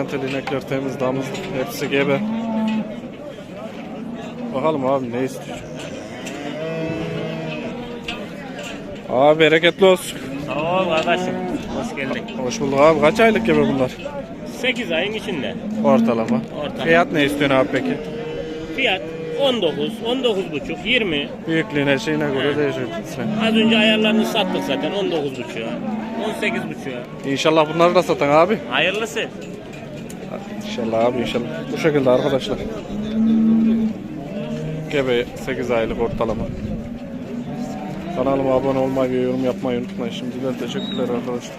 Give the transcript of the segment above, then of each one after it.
simentel inekler temiz, damızlık, hepsi gebe. Bakalım abi ne istiyor. Abi bereketli olsun. Sağ ol kardeşim. Hoş geldin. Hoş bulduk abi. Kaç aylık gebe bunlar? 8 ayın içinde. Ortalama. Fiyat ne istiyorsun abi peki? Fiyat 19, 19,5, 20. Büyüklüğüne şeyine göre değişiyor. Az önce ayarlarını sattık zaten 19,5'a, 18,5'a. İnşallah bunları da satan abi. Hayırlısı. İnşallah abi inşallah. Bu şekilde arkadaşlar. Gebe 8 aylık ortalama. Kanalıma abone olmayı ve yorum yapmayı unutmayın. Şimdiden teşekkürler arkadaşlar.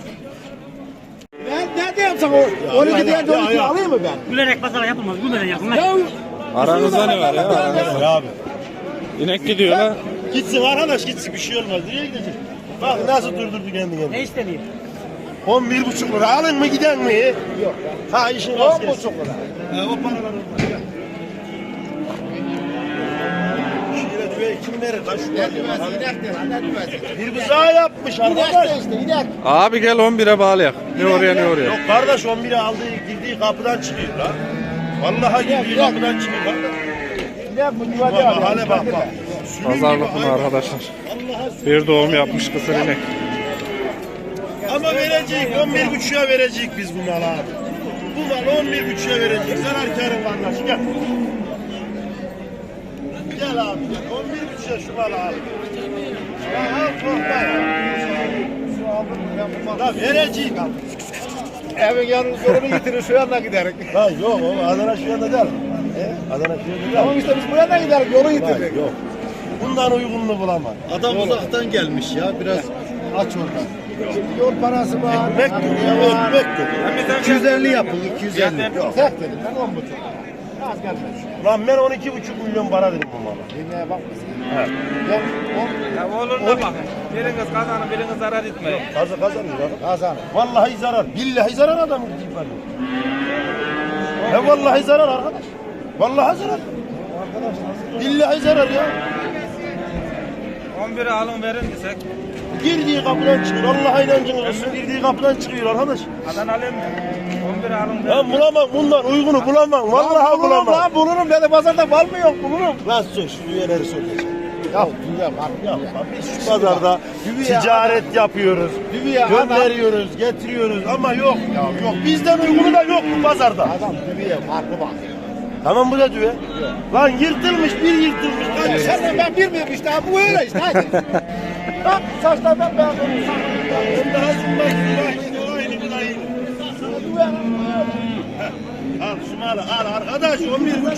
Ne diyeyim sana? 12 diyen 12 alayım mı ben? Gülerek pazara yapılmaz, gülerek yapılmaz. Aranızda ne var ya? Aranızda. Abi. İnek gidiyor la. Gitsin arkadaş gitsin bir şey olmaz. Nereye gidecek? Bak nasıl durdurdu kendini. Ne istediğin? 11,5 lira alın mı giden mi? Yok. Ha işin rast gelsin. 10,5 lira. O paralar orada. Şöyle düve kim verir? Kaç şu bir buzağı yapmış arkadaş. Abi gel 11'e bağlayak. Ne oraya ne oraya. Yok kardeş 11'e aldığı girdiği kapıdan çıkıyor lan. Vallahi girdiği kapıdan çıkıyor kardeş. Bak hale bak bak. Pazarlık bunu arkadaşlar. Bir doğum yapmış kısır inek. Ama verecek 11,5'a verecek biz bu malı abi. Bu mal 11,5'a verecek. Zarar karı kardeş gel. Gel abi gel. 11,5'a şu malı abi. Ya al korkma ya. Da verecek abi. Evin yanını getirir şu yanına giderik. Ha yok o Adana şu yanda değil. Adana şu yanda değil. Tamam işte biz bu yana giderik yolu getirdik. Yok. Bundan uygununu bulamam. Adam uzaktan gelmiş ya biraz aç oradan. Yol parası var. Ekmek gibi ya ekmek gibi. 250 yapın 250. Yok. Tek dedim ben 10,5. Az gelmez. Lan ben 12,5 milyon para dedim bu mala. Yemeğe bak. He. Ya olur da bakın. Biriniz kazanın, biriniz zarar etmeyin. Kazanıyor adam. Kazan. Vallahi zarar. Billahi zarar adam gibi var. He vallahi zarar arkadaş. Vallahi zarar. Billahi zarar ya. 11'e alın verin desek. Girdiği kapıdan çıkıyor. Allah'a inancınız olsun. Girdiği kapıdan çıkıyor arkadaş. Adana alayım mı? 11'e alın verin. Ben bulamam bundan uygunu bulamam. Vallahi bulamam. Lan bulurum dedi pazarda mal mı yok bulurum. Lan sor şu üyeleri soracağım. Ya dünya var. Yapma. Biz şu pazarda ticaret yapıyoruz. Dünya Gönderiyoruz, getiriyoruz ama yok ya yok. Bizden uygunu da yok bu pazarda. Adam dünya farklı bak. Tamam bu da düve. Lan yırtılmış bir yırtılmış. Lan Sen ben bilmiyorum işte bu öyle işte hadi. Bak saçlardan ben daha aynı bu da aynı. Al şu malı al arkadaş 11,5.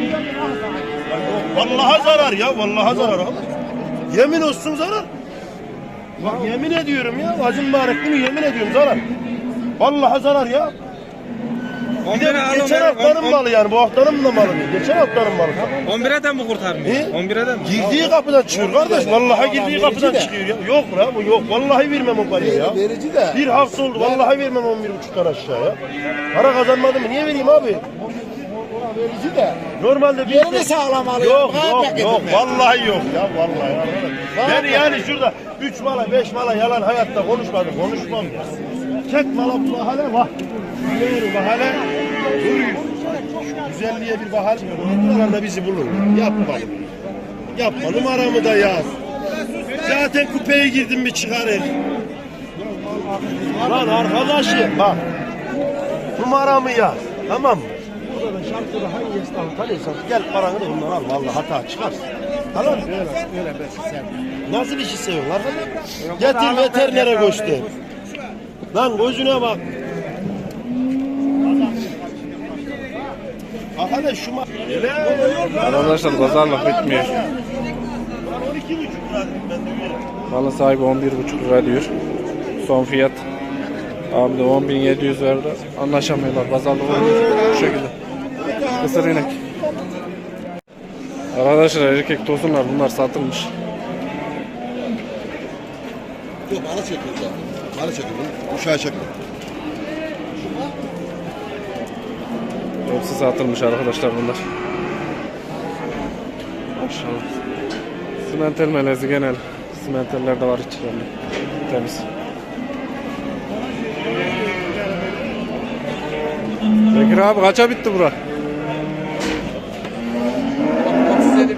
Vallahi zarar ya vallahi zarar abi. Yemin olsun zarar. Bak yemin ediyorum ya acım mübarek bunu yemin ediyorum zarar. Vallahi zarar ya. Bir de geçen haftanın malı yani bu haftanın da malı değil. Geçen haftanın malı. 11'e mi kurtarmıyor? He? 11'e mi? Girdiği kapıdan çıkıyor kardeş. Vallahi girdiği kapıdan çıkıyor ya. Yok la bu yok. Vallahi vermem o parayı ya. verici de. Bir hafta oldu. Vallahi vermem 11,5'tan aşağıya. Para kazanmadım mı? Niye vereyim abi? Verici de. Normalde bir Yerini sağlam alıyor. Yok yok yok. Vallahi yok ya. Vallahi ya. Ben yani şurada 3 mala 5 mala yalan hayatta konuşmadım. Konuşmam ya. Tek mala bu bahane var. Yürü bahane. Duruyor. Şu güzelliğe bir bahane. Bunlar da bizi bulur. Yapma. Yapma. Numaramı da yaz. Zaten kupeye girdim bir çıkarır. Lan arkadaşım bak. Numaramı yaz. Tamam mı? Burada da şarkıda hangi esnafı tanıyorsan gel paranı da bundan al. Vallahi hata çıkarsın. Tamam mı? Öyle ben Nasıl bir şey seviyorlar? Getir veterinere göster. Lan gözüne bak. Aha şu Arkadaşlar pazarlık bitmiyor. 12,5 lira dedim ben de öyle. Malın sahibi 11,5 lira diyor. Son fiyat. Abi de 10.700 verdi. Anlaşamıyorlar. Pazarlık oluyor. Bu şekilde. Kısır inek. Arkadaşlar erkek tosunlar bunlar satılmış. Yok bana çekiyor zaten. Bana çekiyor. Uşağı çekiyor. Hepsi satılmış arkadaşlar bunlar. Maşallah. Simentel melezi genel. Simenteller de var içlerinde. Temiz. Bekir abi kaça bitti bura? 37.500.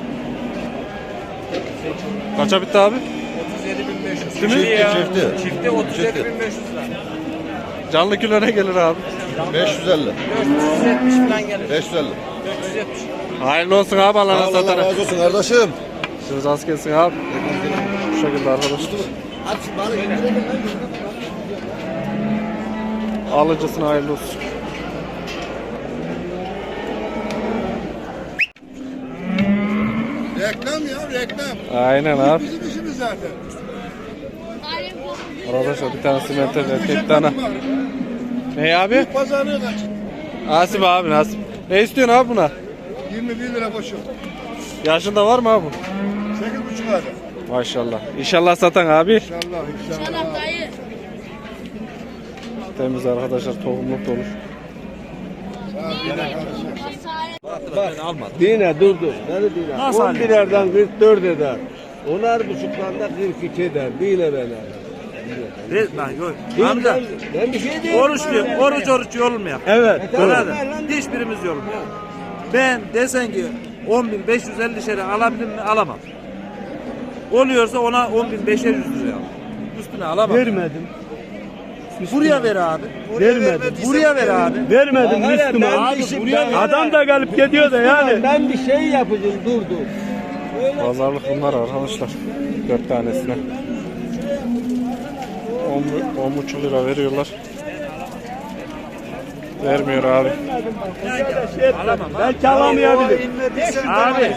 Kaça bitti abi? 37.500. Değil mi? Çifte 37.500 lira. Canlı kilo ne gelir abi? 550. 470 falan gelir. 550. 470. Hayırlı olsun abi Allah'ına Allah satana. razı olsun kardeşim. Siz az gelsin abi. Bu şekilde arkadaşlar. Alıcısına hayırlı olsun. Reklam ya reklam. Aynen abi. Bizim işimiz zaten. Arkadaşlar bir tane simente erkek tane. Ne abi? Pazarlığı kaç? Nasip abi nasip. Ne istiyorsun abi buna? 21 lira koşuyor. Yaşında var mı abi? 8,5 lira. Maşallah. İnşallah satan abi. İnşallah inşallah. İnşallah dayı. Temiz arkadaşlar tohumluk da olur. Dine dur. Nerede dine? 11'lerden 44 eder. 10.5'dan da 42 eder. Dine ben Amca Ben bir şey diyeyim. oruç yorulmuyor. Evet. Anladın? Hiçbirimiz yorulmuyor. Ben desen ki 10.550 lira alabilir mi? Alamam. Oluyorsa ona 10.500 lira al. Üstüne alamam. Vermedim. Buraya ver abi. Vermedim. Buraya ver abi. Vermedim Müslüman. Adam da gelip gidiyor da yani. Ben bir şey yapacağım dur. Pazarlık bunlar arkadaşlar. 4 tanesine. 10,5 lira veriyorlar. Vermiyor abi. Alamam. Belki alamayabilir. Abi.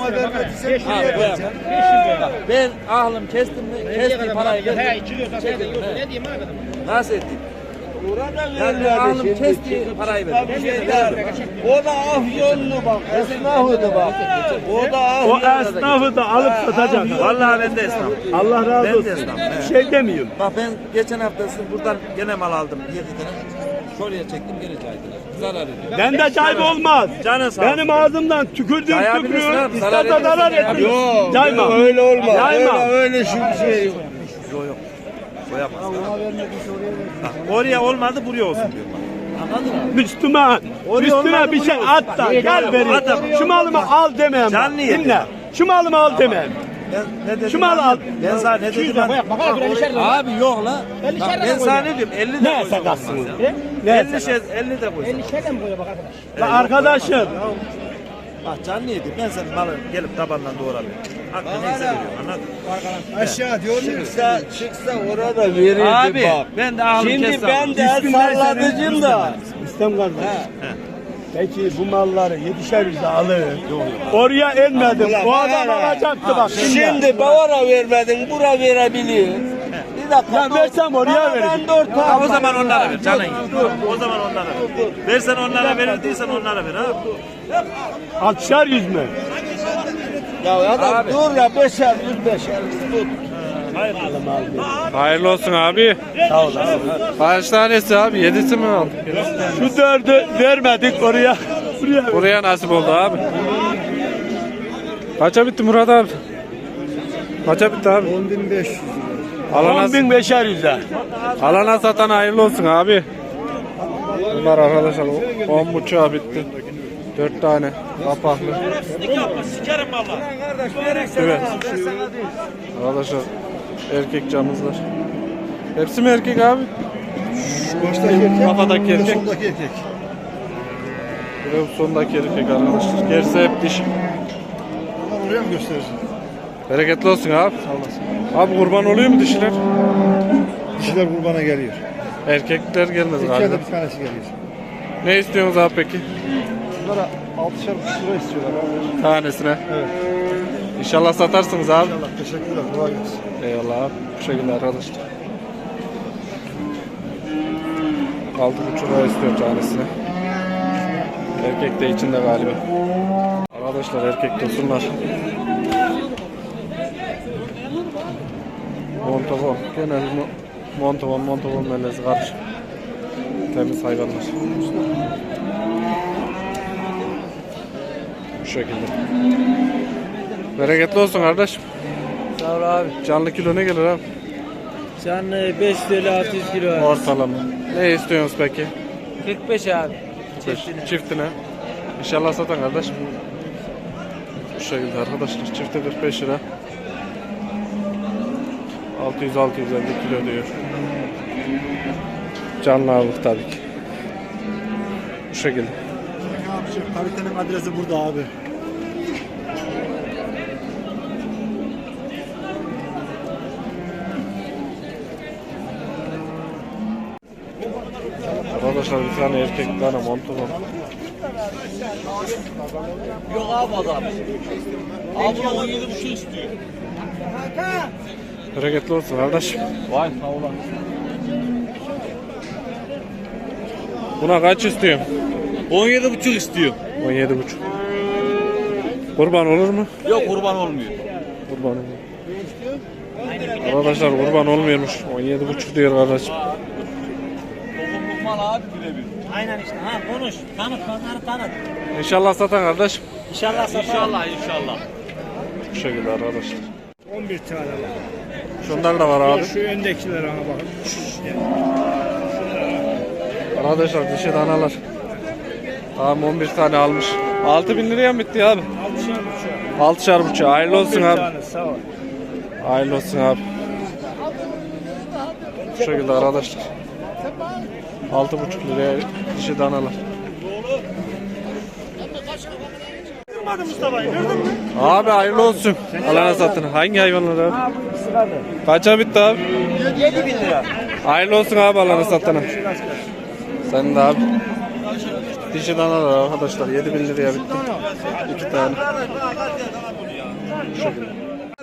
Ben ahlım kestim mi? Kestiği parayı verdim. Ne diyeyim abi? Nasıl edeyim? Yani ahlım kestiği parayı verdim. O da afyonlu bak. Esnafı bak. O da afyonlu. O esnafı da alıp satacak. Vallahi ben de esnafım. Allah razı Ben de olsun. esnafım. Bir şey demiyorum. Bak ben geçen hafta buradan gene mal aldım 7 tane. Şuraya çektim geri caydılar. Zarar ediyor. Ben de cayma olmaz. Canın sağ olsun. Benim ağzımdan tükürdüğüm Cayabilirsin tükürüyor. abi, zarar İsterse zarar ediyorsun. etmiyor. Yok, Cayma. Öyle olmaz. Cayma. Öyle şey yok. Yok. Koyamaz. Bak, oraya olmadı buraya olsun diyor. Anladın mı? Müslüman. Üstüne bir şey at da gel vereyim. Şu malımı al demem. Canlı yedim. Dinle. Şu malımı al demem. Ne dedim? Şu malı al. Ben sana ne dedim? Abi yok la. Bak, ben sana ne diyorum? 50 de Ne koysam sakatsın? olmaz ya. Ne 50 de koysam. La arkadaşım. Bak canlı yedim. Ben senin malı gelip tabandan doğrarım. Hakkı neyse veriyorum. Anladın mı? Aşağı diyor mu? Çıksa orada verirdi Abi bak. ben de ahlım Şimdi kestim. ben de el salladıcım da. İstem kardeş. Peki bu malları 7'şer yüze alır. Oraya inmedim. O adam alacaktı bak. Şimdi bavara vermedin, bura verebilir. Bir dakika. Ya versem oraya verir. O zaman onlara ver canın. O zaman onlara ver. Versen onlara verir değilsen onlara ver ha. 6'şer yüz mü? Ya adam dur ya 5'er yüz 5'er tut. Hayırlı olsun abi. Sağ ol abi. Kaç tanesi abi? 7'si mi aldık? Şu 4'ü vermedik oraya. Buraya Buraya nasip oldu abi. Kaça bitti Murat abi? Kaça bitti abi? 10.500. Alana, 10.500'er yüze. alana satan hayırlı olsun abi. Bunlar arkadaşlar 10,5'a bitti. 4 tane kapaklı. Sikerim valla. Evet. Arkadaşlar erkek camızlar. Hepsi mi erkek abi? Baştaki erkek. Kafadaki erkek. Sondaki erkek. Bir de bu sondaki erkek arkadaşlar. Gerisi hep dişi. Ama buraya mı gösterirsin? Bereketli olsun abi. Sağ olasın. Abi kurban oluyor mu dişiler? Dişiler kurbana geliyor. Erkekler gelmez galiba. İçeride bir tanesi geliyor. Ne istiyorsunuz abi peki? Bunlara 6'şer lira istiyorlar abi. Tanesine. Evet. İnşallah satarsınız abi. İnşallah. Teşekkürler. Kolay gelsin. Eyvallah abi. Bu şekilde arkadaşlar. 6,5 lira istiyor tanesine. Erkek de içinde galiba. Arkadaşlar erkek tosunlar. Montavon. Genel Montavon melezi karışık. Temiz hayvanlar. Bu şekilde. Bereketli olsun kardeşim. Sağ ol abi. Canlı kilo ne gelir abi? Canlı 5 TL 600 kilo var. Ortalama. Ne istiyorsunuz peki? 45 abi. 45 çiftine. İnşallah satan kardeş. Bu şekilde arkadaşlar çifte 45 lira. 600-650 kilo diyor. Canlı ağırlık tabii ki. Bu şekilde. Kalitenin adresi burada abi. Arkadaşlar bir tane erkek bir tane montu var. Yok abi adam. Abi 17,5 istiyor. Bereketli olsun kardeş. Vay sağ olun. Buna kaç istiyorsun? 17,5 istiyor. 17,5. Kurban olur mu? Yok kurban olmuyor. Kurban olur. Arkadaşlar kurban olmuyormuş. 17,5 diyor kardeşim. Dokunluk mal abi birebir. Aynen işte. Ha konuş. Tanıt onları tanıt. İnşallah satan kardeş. İnşallah satar. İnşallah inşallah. Bu şekilde arkadaşlar. 11 tane var. Şunlar da var abi. Şu öndekilere bakın. Arkadaşlar dişi danalar. Tamam 11 tane almış. 6.000 liraya mı bitti abi? 6.5. Hayırlı olsun abi. Sağ ol. Hayırlı olsun abi. Bu şekilde arkadaşlar. 6.5 liraya dişi danalar. Abi hayırlı olsun. Alana satın. Hangi hayvanlar abi? Kaça bitti abi? 7.000 lira. Hayırlı olsun abi alana satına. Sen de abi. Dişi danalar arkadaşlar 7.000 liraya bitti. 2 tane. Şu şekilde.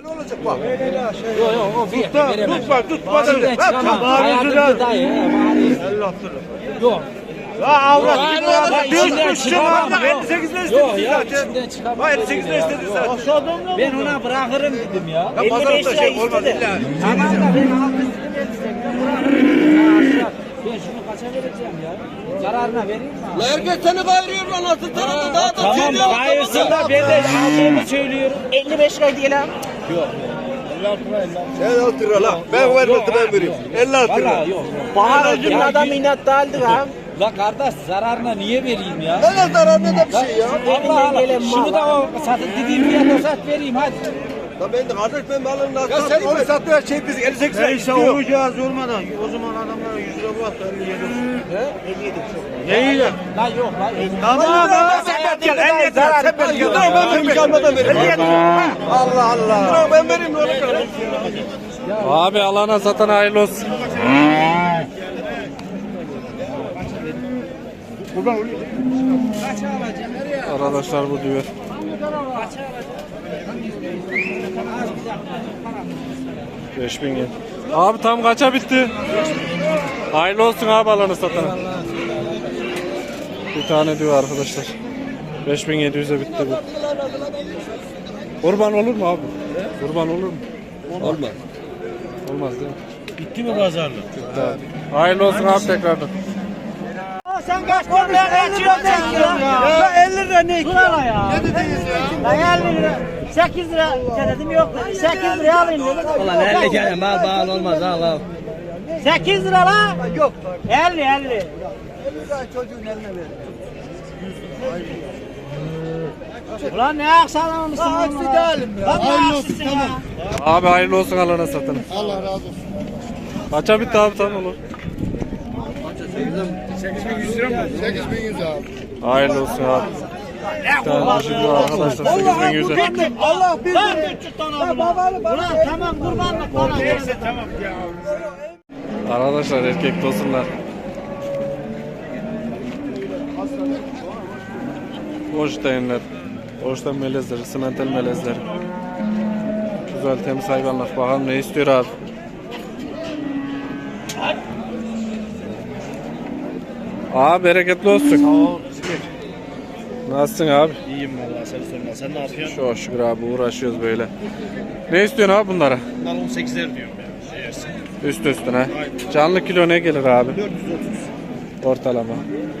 Ben ona bırakırım dedim ya. 55 lira istedi. Tamam da ben 6'sını versem ben bırakırım. Ben şunu kaça vereceğim ya? Zararına vereyim mi? Herkes seni kayırıyor lan nasıl tanıdı daha da Tamam kayırsın da ben de aldığımı söylüyorum. 55 lira diyelim. 56 lira lan. Ben vermedim ben vereyim. 56 lira. Valla yok. Bahar ödülün adam inatlı aldı ha. La kardeş zararına niye vereyim ya? Ne zarar ne de bir şey ya. Allah Allah. Şunu da o satın dediğim fiyata sat vereyim hadi. Ya ben de kardeş ben balını nasıl ya sen onu sattığı şey biz 58 lira Neyse istiyor. olacağız olmadan. O zaman adamlara 100 lira bırak da 57 olsun. He? 57 çok. Neyi de? La yok la. Tamam lan sen gel 50 lira sen ben gel. Tamam ben vereyim kalmadan vereyim. Allah Allah. Ben vereyim ne olur. Abi alana satan hayırlı olsun. Arkadaşlar bu diyor. Beş bin yen. Abi tam kaça bitti? Hayırlı olsun abi alanı satana. Bir tane diyor arkadaşlar. 5700'e bitti bu. Kurban olur mu abi? Kurban olur mu? Olmaz. Olmaz değil mi? Bitti mi pazarlık? Bitti abi. Hayırlı olsun abi tekrardan. Sen kaç lira kaçıyorsun ya? 50 lira ne? Dur ala ya. Ne dediniz ya? Ben 50 lira. 8 lira dedim yok dedi. 8 liraya alayım dedim. Ulan 50 kere mal bağlı olmaz al al. 8 lira la. Yok. 50. Ulan ne aksanlamışsın bunu? Aksi değilim ya. Lan ne aksisin ya? Abi hayırlı olsun alana satana. Allah razı olsun. Kaça bitti abi tam olur? 8100 lira mı? 8100 abi. Hayırlı olsun abi. Bir tane dişi diyor arkadaşlar 8100'e. Allah bir Lan 300 tane aldım. Ulan tamam kurbanlık bana. Neyse tamam ya. Arkadaşlar erkek tosunlar. Holsteinler. Holstein melezleri, simental melezleri. Güzel temiz hayvanlar. Bakalım ne istiyor abi. Abi bereketli olsun. Sağ ol. Nasılsın abi? İyiyim valla seni sorma. Sen ne yapıyorsun? Çok şükür abi uğraşıyoruz böyle. Ne istiyorsun abi bunlara? Bunlar 18'ler diyorum ya. Yersin. Üst üstüne. Canlı kilo ne gelir abi? 430. Ortalama.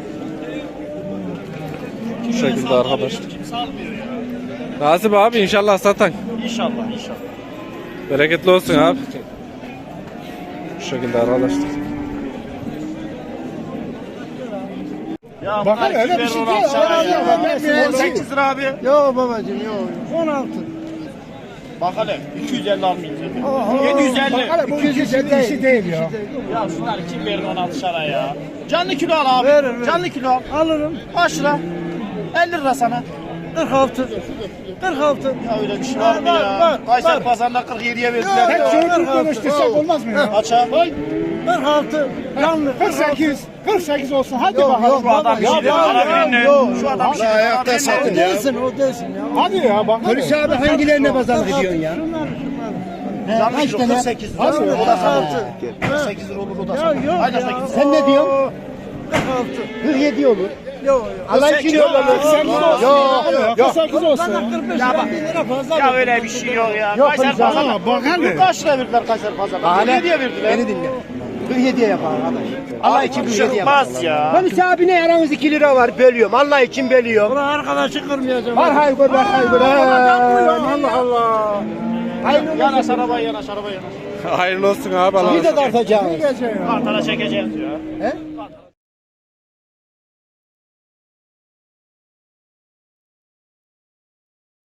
Bu şekilde arkadaşlar. Kimse almıyor ya. Nasip abi inşallah satan. İnşallah. Bereketli olsun abi. Bu şekilde arkadaşlar. Bakın öyle bir şey değil. 18 lira abi. Yok babacığım yok. 16. Bak hele 250 almayayım. 750. 250 işi değil ya. Ya şunlar kim verir 16 şara ya? Canlı kilo al abi. Veririm. Canlı kilo al. Alırım. Kaç lira? 50 lira sana. 46. 46. Ya öyle bir şey var mı Var, ya? var, Kayseri var. pazarında 47'ye verdiler. Hep şunu konuştursak olmaz mı ya? Kaça? 46. Canlı 48. 48 olsun. Hadi bakalım. Şu adam bir şey diyor. Şu adam bir şey diyor. Ayakta satın ya. O değilsin ya. Hadi ya bak. Polis abi hangilerine pazarlık ediyorsun ya? Canlı kilo 48 lira. O da sana olur. 48 lira olur o da sana. Yok Haydi ya. 48 Sen ne diyorsun? 47 olur. Yok. Allah için yok. 48 olsun. Yok. 48 olsun. 45 lira fazla. Ya öyle bir şey yok ya. Yok, Kayseri polis abi, pazarında. bak hele. Kaç lira verdiler Kayseri pazarında? 47'ye verdiler. Beni dinle. 47'ye yapar arkadaş. Allah için 47'ye yapar. Çıkmaz ya. Polis abine aranız 2 lira var. Bölüyorum. Allah için bölüyorum. Ulan arkadaşı kırmayacağım. Var hayır var hayır. Allah Allah. Yanaş arabaya yanaş arabaya yanaş. Hayırlı olsun abi. Bir de tartacağız. Kartara çekeceğiz ya. He?